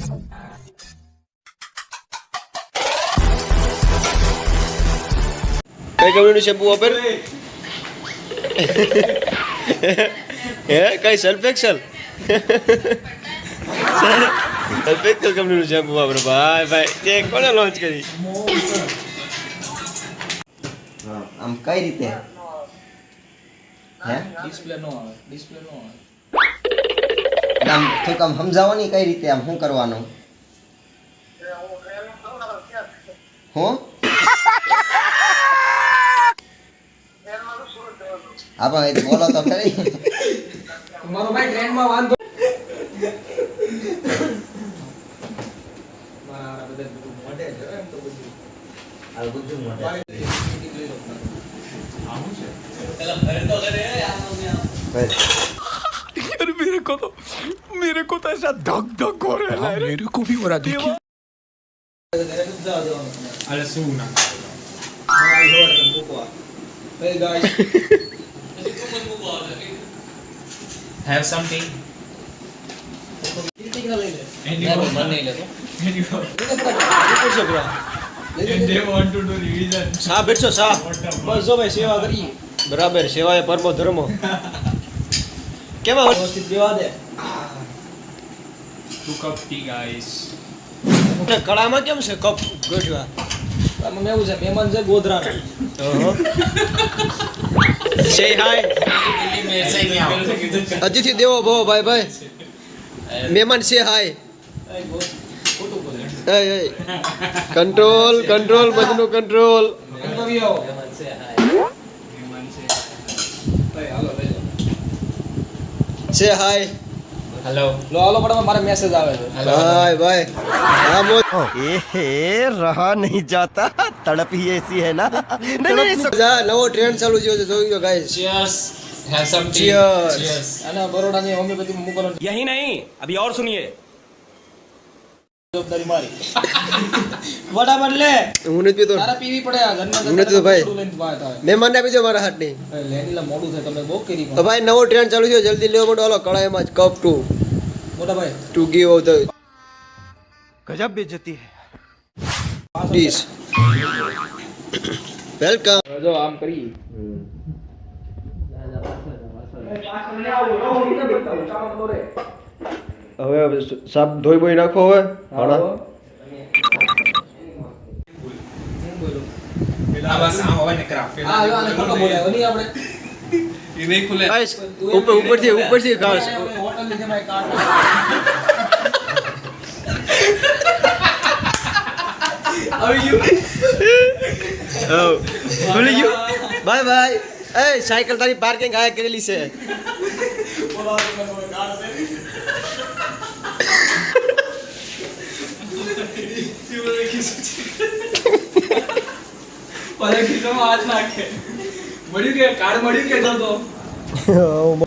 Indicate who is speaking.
Speaker 1: કઈ કંપનીનું શેમ્પુ વાપર? હે કઈ સલ્ફ એક્સેલ? સલ્ફ એક્સેલ કંપનીનું શેમ્પુ વાપરે ભાઈ ભાઈ. તે કોને લોન્ચ કરી?
Speaker 2: આમ કઈ રીતે હે
Speaker 3: ડિસ્પ્લે નો આવે
Speaker 2: આમ થોડુંક આમ સમજાવો ને કઈ રીતે આમ શું કરવાનું હું આપણે બોલો તો ખરી
Speaker 3: મારો ભાઈ ટ્રેન માં વાંધો મારા બધા બધું મોડે છે એમ તો બધું
Speaker 2: આ બધું મોટે
Speaker 3: આવું છે પેલા ઘરે તો ઘરે
Speaker 4: यार मेरे को तो ऐसा धक धक हो रहा है. मेरे को भी हो रहा देखिए.
Speaker 3: અરે શું ના આ જોર તમ મૂકવા હે ગાઈસ
Speaker 5: have something
Speaker 3: ટીટિંગ ના લઈ લે
Speaker 5: and
Speaker 3: મન નહીં લેતો
Speaker 5: and they want to do revision.
Speaker 1: સા બેઠો સા.
Speaker 3: બસ જો ભાઈ સેવા કરીએ
Speaker 1: બરાબર સેવાય પરમો ધર્મો. કેમાં
Speaker 3: વ્યવસ્થિત બેવા દે
Speaker 5: 2 cup tea guys.
Speaker 1: કળામાં કેમ છે કપ ગોઠવા?
Speaker 3: આમાં એવું છે મહેમાન છે ગોધરાનો
Speaker 1: સે હાય
Speaker 5: दिल्ली में ऐसा ही नहीं आओ.
Speaker 1: અતિથિ દેવો ભવો ભાઈ ભાઈ. મહેમાન સે હાય.
Speaker 3: ખોટું બોલે
Speaker 1: કંટ્રોલ કંટ્રોલ મજનું કંટ્રોલ.
Speaker 3: એમ આવી આવો ભાઈ હાલો લઈ લો
Speaker 1: સે હાય.
Speaker 5: Hello.
Speaker 3: લો હાલો પણ મારે મેસેજ આવે છે
Speaker 1: ભાઈ ભાઈ હા મોજ.
Speaker 2: रहा नहीं जाता तड़प ही ऐसी है ना
Speaker 1: જા નવો ટ્રેન્ડ ચાલુ થયો છે જોઈ લો guys.
Speaker 5: Cheers. Have some tea.
Speaker 1: Cheers.
Speaker 5: Cheers.
Speaker 3: અને બરોડાની હોમિયોપેથી મોકલવાની
Speaker 4: यही नहीं अभी और सुनिए.
Speaker 3: જવાબદારી મારી વડા બદલે
Speaker 1: હું નથી પીતો.
Speaker 3: તારા પીવી પડે આ ઘરના
Speaker 1: હું નથી તો ભાઈ.
Speaker 3: લઈને વાત આવે
Speaker 1: મહેમાનને આપી દો મારા હાથની.
Speaker 3: લેનીલા મોડું થાય તમે બહુ કરી
Speaker 1: તો ભાઈ નવો ટ્રેન્ડ ચાલુ થયો જલ્દી લેવો પડો. હાલો કળાઈમાં જ કપ
Speaker 3: મોટા ભાઈ
Speaker 1: ટુ ગીવ ઓફ ધ
Speaker 4: गजब बेइज्जती है.
Speaker 1: ડીશ. વેલકમ.
Speaker 3: જો આમ કરી
Speaker 1: હવે સાપ ધોઈ બોઈ નાખો હવે. હાડા
Speaker 5: આ બસ આ હોય ને ક્રાફ્ટ.
Speaker 3: આ જો આને ખોટો બોલાયો નહીં આપણે
Speaker 5: ये नहीं खुले.
Speaker 1: ગાઈસ ઉપરથી ખાસ.
Speaker 3: હોટલ ની જમાય કાટ આવી ગયું
Speaker 1: ભૂલી ગયું. Bye bye. એ સાયકલ તારી પાર્કિંગ આયા કરેલી છે.
Speaker 3: પલે ખીચામાં હાથ નાખે મળ્યું કે કાર્ડ મળ્યું કે તો